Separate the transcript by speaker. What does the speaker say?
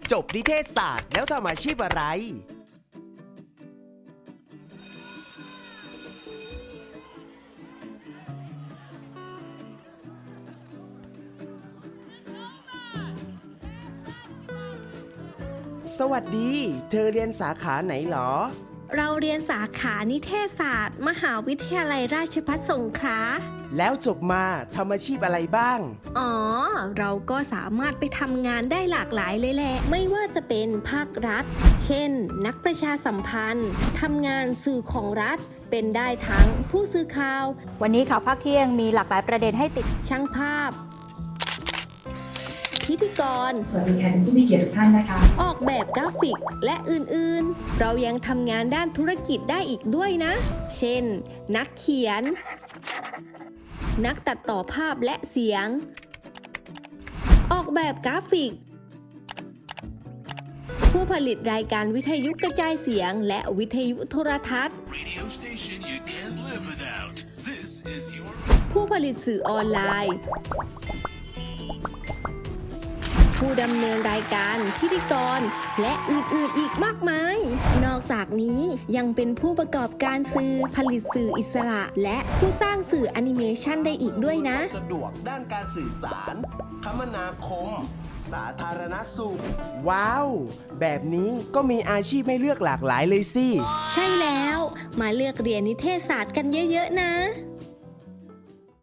Speaker 1: จบนิเทศศาสตร์แล้วทำอาชีพอะไร สวัสดี เธอเรียนสาขาไหนหรอ
Speaker 2: เราเรียนสาขานิเทศศาสตร์ มหาวิทยาลัยราชภัฏสงขลา
Speaker 1: แล้วจบมาทำอาชีพอะไรบ้าง
Speaker 2: อ๋อ เราก็สามารถไปทำงานได้หลากหลายเลยแหละ ไม่ว่าจะเป็นภาครัฐ เช่น นักประชาสัมพันธ์ ทำงานสื่อของรัฐ เป็นได้ทั้งผู้สื่อข่าว
Speaker 3: วันนี้ข่าวภาคเที่ยงมีหลากหลายประเด็นให้ติด
Speaker 2: ช่างภาพ พิธีกร
Speaker 4: สวัสดีค่ะผู้มีเกียรติทุกท่านนะคะ
Speaker 2: ออกแบบกราฟิก และอื่นๆ เรายังทำงานด้านธุรกิจได้อีกด้วยนะ เช่น นักเขียน นักตัดต่อภาพและเสียง ออกแบบกราฟิก ผู้ผลิตรายการวิทยุกระจายเสียงและวิทยุโทรทัศน์
Speaker 5: Radio station you can't live without. This is your
Speaker 2: ผู้ผลิตสื่อออนไลน์ ผู้ดำเนินรายการ พิธีกร และอื่นๆ อีกมากมาย นอกจากนี้ยังเป็นผู้ประกอบการสื่อ ผลิตสื่ออิสระ และผู้สร้างสื่อแอนิเมชันได้อีกด้วยนะ
Speaker 1: สะดวกด้านการสื่อสาร คมนาคม สาธารณสุข ว้าว แบบนี้ก็มีอาชีพให้เลือกหลากหลายเลยสิ
Speaker 2: ใช่แล้ว มาเลือกเรียนนิเทศศาสตร์กันเยอะๆนะ